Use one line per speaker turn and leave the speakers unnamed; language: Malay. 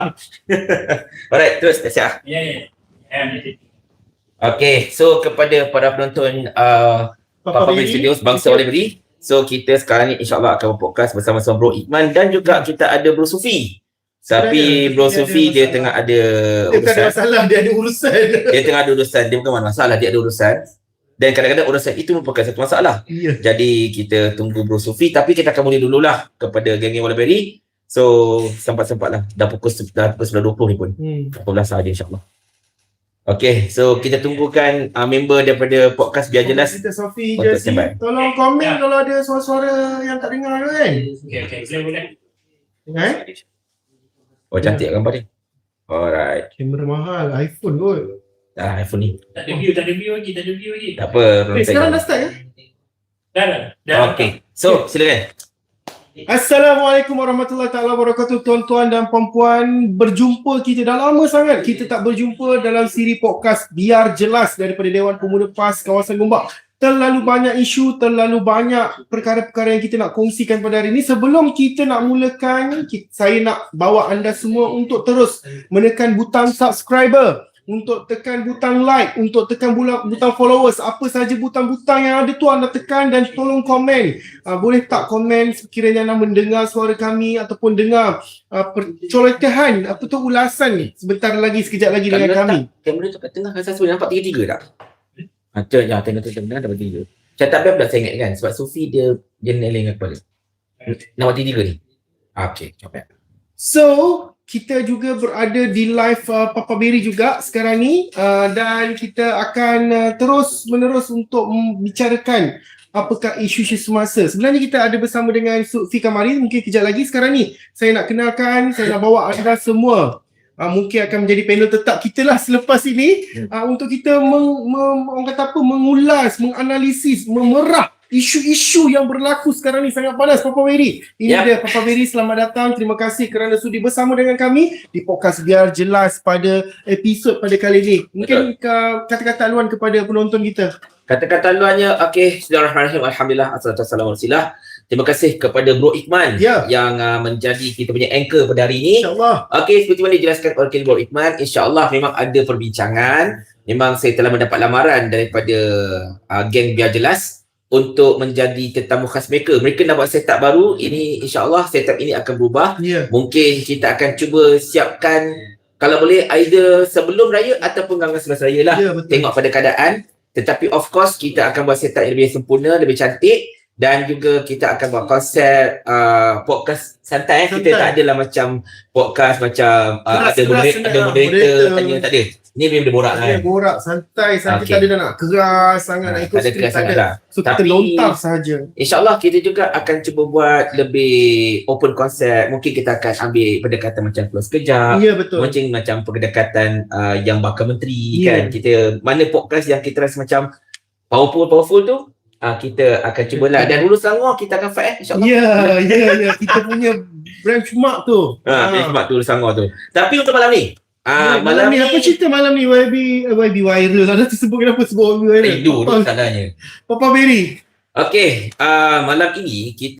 Alright, terus siap. Okay, so kepada para penonton Papa Beri Studios Bangsa Oleh Beri, so kita sekarang ni insyaAllah akan podcast bersama-sama Bro Iqman dan juga kita ada Bro Sufi. Tapi Bro Sufi dia tengah ada
urusan. Dia ada masalah, dia ada urusan.
Dia tengah ada urusan, dia bukan masalah, dia ada urusan. Dan kadang-kadang urusan itu merupakan satu masalah. Jadi kita tunggu Bro Sufi, tapi kita akan mula dululah kepada geng-geng Oleh Beri. So sempat-sempatlah dah pukul 9.20 ni pun. 14 sahaja insyaAllah. Okay, so kita tunggukan member daripada podcast Biar Jelas.
Kita Sofi je si. Tolong komen kalau ada suara-suara yang tak dengar tu kan.
Okay, saya boleh.
Oh, cantik gambar dia. Alright.
Kamera mahal, iPhone kot.
iPhone ni.
Tak ada view lagi.
Tak apa.
Sekarang dah start ya?
Dah.
Okay, so silakan.
Assalamualaikum warahmatullahi taala wabarakatuh, tuan-tuan dan puan-puan. Berjumpa kita dah lama sangat kita tak berjumpa dalam siri podcast Biar Jelas daripada Dewan Pemuda PAS kawasan Gombak. Terlalu banyak isu, terlalu banyak perkara-perkara yang kita nak kongsikan pada hari ini. Sebelum kita nak mulakan, saya nak bawa anda semua untuk terus menekan butang subscriber, untuk tekan butang like, untuk tekan butang followers. Apa saja butang-butang yang ada tu anda tekan dan tolong komen. Boleh tak komen sekiranya anda mendengar suara kami ataupun dengar percolokehan, apa tu, ulasan ni sebentar lagi, sekejap lagi dengan kami.
Kamera tu kat tengah rasa sudah nampak tiga-tiga tak? Tengah dapat tiga. Macam tak pula saya ingat kan, sebab Sufi dia neleng dengan kepala. Nampak tiga ni? Okay, coba.
So, kita juga berada di live Papa Beri juga sekarang ni, dan kita akan terus menerus untuk membicarakan apakah isu-isu semasa. Sebenarnya kita ada bersama dengan Sufi Kamari, mungkin kejap lagi. Sekarang ni saya nak kenalkan, saya nak bawa anda semua, mungkin akan menjadi panel tetap kita lah selepas ini, untuk kita orang kata apa, mengulas, menganalisis, memerah isu-isu yang berlaku sekarang ni. Sangat panas Papa Beri. Ini dia Papa Beri, selamat datang. Terima kasih kerana sudi bersama dengan kami di podcast Biar Jelas pada episod pada kali ini. Mungkin kata-kata haluan kepada penonton kita.
Kata-kata haluannya, okay, Bismillahirrahmanirrahim, Alhamdulillah, assalatu wassalamu ala Rasulillah. Terima kasih kepada Bro Iqman yang menjadi kita punya anchor pada hari ini.
InsyaAllah.
Okay, seperti mana dijelaskan oleh Bro Iqman, insyaAllah memang ada perbincangan. Memang saya telah mendapat lamaran daripada geng Biar Jelas untuk menjadi tetamu khas mereka. Mereka nak buat setup baru. Ini insyaAllah setup ini akan berubah. Mungkin kita akan cuba siapkan, kalau boleh either sebelum raya ataupun dengan selepas raya lah. Tengok pada keadaan. Tetapi of course kita akan buat setup yang lebih sempurna, lebih cantik. Dan juga kita akan buat konsep podcast santai. Kita tak adalah macam podcast macam ada moderator tanya, tak ada. Ni memang borak lah.
Borak santai, tak ada dah nak keras sangat, nak ikut skrip, tak ada. So kita lontar saja.
InsyaAllah kita juga akan cuba buat lebih open konsep. Mungkin kita akan ambil pendekatan macam close sekejap.
Ya, betul.
Mungkin macam pendekatan yang bakal menteri kan. Kita mana podcast yang kita rasa macam powerful tu, kita akan cubalah. Dan Hulu Selangor kita akan fight insyaAllah.
Ya. Kita punya benchmark tu.
Benchmark tu Hulu Selangor tu. Tapi untuk malam ni,
malam ni apa cerita malam ni? YB viral. Ada tersebut, kenapa sebut YB viral?
Rindu tu tandanya.
Papa Beri.
Okay, malam ini kita